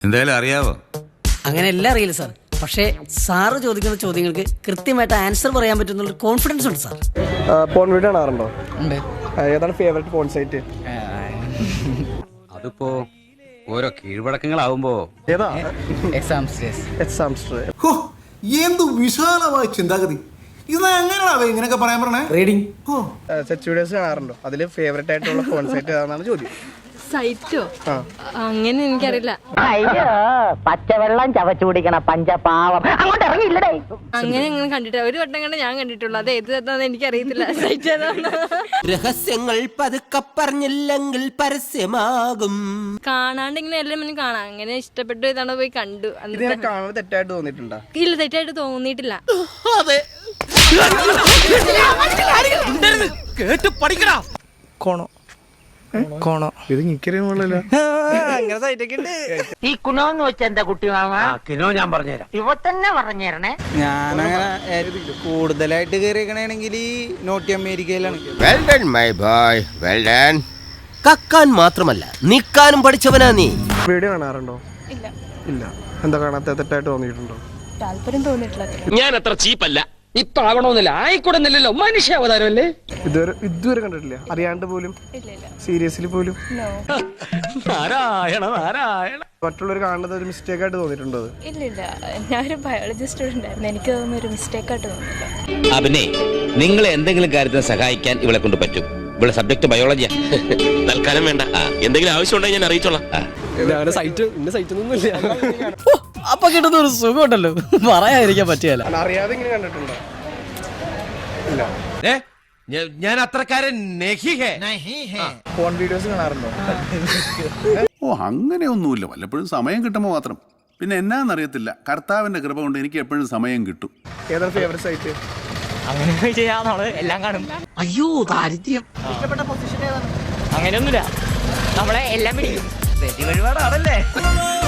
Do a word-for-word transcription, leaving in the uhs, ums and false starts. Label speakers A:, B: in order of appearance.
A: എന്തായാലും അറിയാവോ?
B: അങ്ങനെ എല്ലാം അറിയില്ല സാർ. പക്ഷേ സാറ് ചോദിക്കുന്ന ചോദ്യങ്ങൾക്ക് കൃത്യമായിട്ട് ആൻസർ പറയാൻ പറ്റുന്ന കോൺഫിഡൻസ് ഉണ്ട് സാർ.
C: പോൺ വീഡിയോ കാണാറുണ്ടോ? ഏതാണ് ഫേവറേറ്റ് പോൺ സൈറ്റ്?
A: അതിപ്പോ ഓരോ കീഴ്വഴക്കങ്ങളാവുമ്പോ
C: ഏതാ?
D: എന്ത് വിശാലമായ ചിന്താഗതി. ഇത് എങ്ങനെയാണോ ഇങ്ങനെയൊക്കെ പറയാൻ പറഞ്ഞേ?
C: റീഡിങ്. സെറ്റ് വീഡിയോസ് കാണാറുണ്ടോ? അതിൽ ഫേവറേറ്റ് ആയിട്ടുള്ള പോൺ സൈറ്റ് ഏതാണെന്നാണ് ചോദ്യം.
E: സൈറ്റോ? അങ്ങനെ എനിക്കറിയില്ല.
F: അയ്യോ, പച്ചവെള്ളം ചവച്ചു കുടിക്കണ പഞ്ചപാവം അങ്ങോട്ട് ഇറങ്ങിയില്ലടേ.
E: അങ്ങനെ അങ്ങനെ കണ്ടിട്ടില്ല. ഒരു വട്ടം കണ്ട് ഞാൻ കണ്ടിട്ടുള്ളൂ. അത് ഏത് ഏതാന്ന് എനിക്കറിയത്തില്ല. സൈറ്റ് ഏതാണ്?
G: രഹസ്യങ്ങൾ പതുക്കെ പറഞ്ഞില്ലെങ്കിൽ പരസ്യമാകും.
E: കാണാണ്ട് ഇങ്ങനെ എല്ലാം മുന്നേ കാണാം. അങ്ങനെ ഇഷ്ടപ്പെട്ടു ഇതാണ് പോയി കണ്ടു.
C: കാണുന്നത് തെറ്റായിട്ട് തോന്നിയിട്ടുണ്ടോ?
E: ഇല്ല, തെറ്റായിട്ട് തോന്നിയിട്ടില്ല.
G: കേട്ട് പഠിക്കടാ.
C: കോണോ കോണോ ഇത് എനിക്കറിയാമല്ലോ. അങ്ങനെ സൈറ്റൊക്കെ ഉണ്ട്.
F: ഈ കുണോന്ന് വെച്ച എന്താ കുട്ടി മാമ?
G: കിനോ ഞാൻ പറഞ്ഞുതരാം.
F: ഇവ തന്നെ പറഞ്ഞേരണേ.
C: ഞാനങ്ങനെ കൂടുതലായിട്ട് കയറിയേക്കണെങ്കിൽ നോർത്ത് അമേരിക്കയിലാണ്.
H: Well done my boy, well done.
G: കക്കാൻ മാത്രമല്ല നിക്കാനും പഠിച്ചവനാ നീ.
C: വീഡിയോ കാണാറുണ്ടോ?
E: ഇല്ല.
C: ഇല്ല. എന്താ കാണാത്ത തെറ്റായിട്ട് തോന്നിയിട്ടുണ്ടോ?
E: താല്പര്യം തോന്നിയിട്ടില്ല.
G: ഞാൻ അത്ര ചീപ്പല്ല. ഇപ്പൊ ആവണമെന്നില്ല, ആയിക്കൂടുന്നില്ലല്ലോ. മനുഷ്യാവതാരമല്ലേ.
C: ഇതുവരെ ഇതുവരെ കണ്ടിട്ടില്ല? അറിയാണ്ട് പോലും? സീരിയസ്ലി പോലും?
G: നാരായണ നാരായണ.
C: മറ്റുള്ളവർ കാണുന്നത് ഒരു മിസ്റ്റേക്ക് ആയിട്ട് തോന്നിയിട്ടുണ്ടോ?
E: ഇല്ല ഇല്ല, ഞാനൊരു ബയോളജി സ്റ്റുഡന്റ് ആയിരുന്നു. എനിക്ക് തോന്നുന്ന ഒരു മിസ്റ്റേക്ക് ആയിട്ട് തോന്നില്ല.
I: അഭിനേ, നിങ്ങളെ എന്തെങ്കിലും കാര്യത്തിന് സഹായിക്കാൻ ഇവളെ കൊണ്ട് പറ്റും. ഇവിടെ സബ്ജക്ട് ബയോളജിയാ. തൽക്കാലം വേണ്ട, എന്തെങ്കിലും ആവശ്യം ഉണ്ടെങ്കിൽ ഞാൻ അറിയിച്ചോളാം.
B: അപ്പൊ കിട്ടുന്ന ഒരു സുഖം ഉണ്ടല്ലോ, പറയാതിരിക്കാൻ പറ്റിയല്ല.
C: അറിയാതെ ഇങ്ങനെ കണ്ടിട്ടുണ്ടോ? ഇല്ല.
G: ഞാൻ അത്രക്കാരൻ
C: ഫോൺ വീഡിയോസ് കാണാറുണ്ടോ?
J: ഓ, അങ്ങനെയൊന്നുമില്ല. വല്ലപ്പോഴും സമയം കിട്ടുമ്പോൾ മാത്രം. പിന്നെ എന്നാന്നറിയത്തില്ല, കർത്താവിന്റെ കൃപ കൊണ്ട് എനിക്ക് എപ്പോഴും സമയം കിട്ടും.
C: ഏതാണ് ഫേവറേറ്റ് സൈറ്റ്?
B: അങ്ങനെ ചെയ്യാന്നോള് എല്ലാം കാണും.
F: അയ്യോ, ദാരിദ്ര്യം.
B: ഇഷ്ടപ്പെട്ട പൊസിഷൻ ഏതാണ്? അങ്ങനെയൊന്നുമില്ല, നമ്മളെ എല്ലാം പിടിക്കും. വെടി വഴിപാടാണല്ലേ.